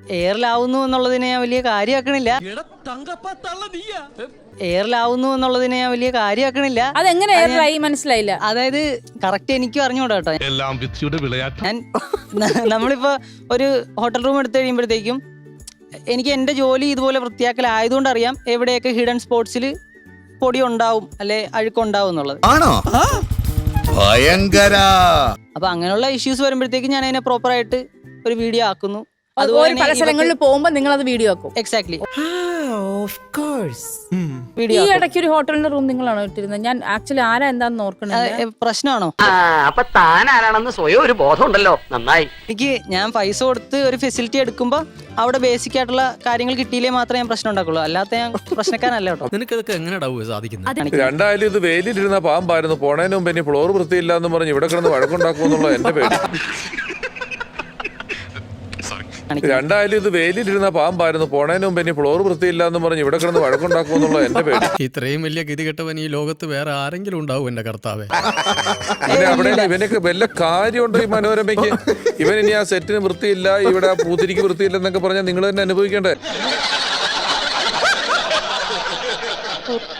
എയറിലാവുന്നു എന്നുള്ളതിനെ ഞാൻ വലിയ കാര്യമാക്കണില്ല. എയറിലാവുന്നു എന്നുള്ളതിനെ ഞാൻ വലിയ കാര്യമാക്കണില്ല. അതെങ്ങനെ എയറിലായി മനസ്സിലായില്ല. അതായത് കറക്റ്റ് എനിക്കും അറിഞ്ഞൂടാ കേട്ടോ. ഞാൻ നമ്മളിപ്പോ ഒരു ഹോട്ടൽ റൂം എടുത്തു കഴിയുമ്പോഴത്തേക്കും എനിക്ക് എന്റെ ജോലി ഇതുപോലെ വൃത്തിയാക്കലായതുകൊണ്ട് അറിയാം എവിടെയൊക്കെ ഹിഡൻ സ്പോട്സിൽ പൊടി ഉണ്ടാവും അല്ലെ അഴുക്കുണ്ടാവും എന്നുള്ളത്. അപ്പൊ അങ്ങനെയുള്ള ഇഷ്യൂസ് വരുമ്പോഴത്തേക്കും ഞാൻ അതിനെ പ്രോപ്പർ ആയിട്ട് ഒരു വീഡിയോ ആക്കുന്നു. അതുപോലെ പല സ്ഥലങ്ങളിൽ പോകുമ്പോൾ നിങ്ങൾ അത് വീഡിയോ ആക്കും. എക്സാക്ട്ലി. ഈ ഇടയ്ക്ക് ഒരു ഹോട്ടലിന്റെ റൂം നിങ്ങളാണോ ഇട്ടിരുന്നത്? ഞാൻ ആക്ച്വലി ആരാ എന്താന്ന് ഓർക്കണത്. പ്രശ്നമാണോ? അപ്പൊ താൻ ആരാണെന്ന് സ്വയം ഒരു ബോധം ഉണ്ടല്ലോ. നന്നായി. എനിക്ക് ഞാൻ പൈസ കൊടുത്ത് ഒരു ഫെസിലിറ്റി എടുക്കുമ്പോ അവിടെ ബേസിക് ആയിട്ടുള്ള കാര്യങ്ങൾ കിട്ടിയില്ലേ മാത്രമേ ഞാൻ പ്രശ്നം ഉണ്ടാക്കുള്ളൂ. അല്ലാത്ത ഞാൻ പ്രശ്നക്കാരല്ല കേട്ടോ. നിനക്കതൊക്കെ എങ്ങനെ സാധിക്കുന്നത്? രണ്ടായാലും ഇത് വെയിലിരുന്ന പാമ്പായിരുന്നു. പോണതിന് മുമ്പ് ഇനി ഫ്ലോർ വൃത്തിയില്ല എന്ന് പറഞ്ഞ് ഇവിടെ കിടന്ന് വഴക്കുണ്ടാക്കുമെന്നുള്ള എന്റെ പേര്. രണ്ടായാലും ഇത് വെയിലിരുന്ന പാമ്പായിരുന്നു. പോണതിന് മുമ്പ് ഇനി ഫ്ലോർ വൃത്തിയില്ല എന്ന് പറഞ്ഞ് ഇവിടെ കിടന്ന് വഴക്കുണ്ടാക്കുമെന്നുള്ള എന്റെ പേര്. ഇത്രയും വലിയ ഗതികെട്ടവൻ ഈ ലോകത്ത് വേറെ ആരെങ്കിലും ഉണ്ടാവും എന്റെ കർത്താവേ. അവിടെ ഇവനൊക്കെ വല്ല കാര്യമുണ്ടോ ഈ മനോരമയ്ക്ക്? ഇവൻ ഇനി ആ സെറ്റിന് വൃത്തിയില്ല, ഇവിടെ ആ പൂത്തിരിക്ക് വൃത്തിയില്ല എന്നൊക്കെ പറഞ്ഞാൽ നിങ്ങൾ തന്നെ അനുഭവിക്കണ്ടേ?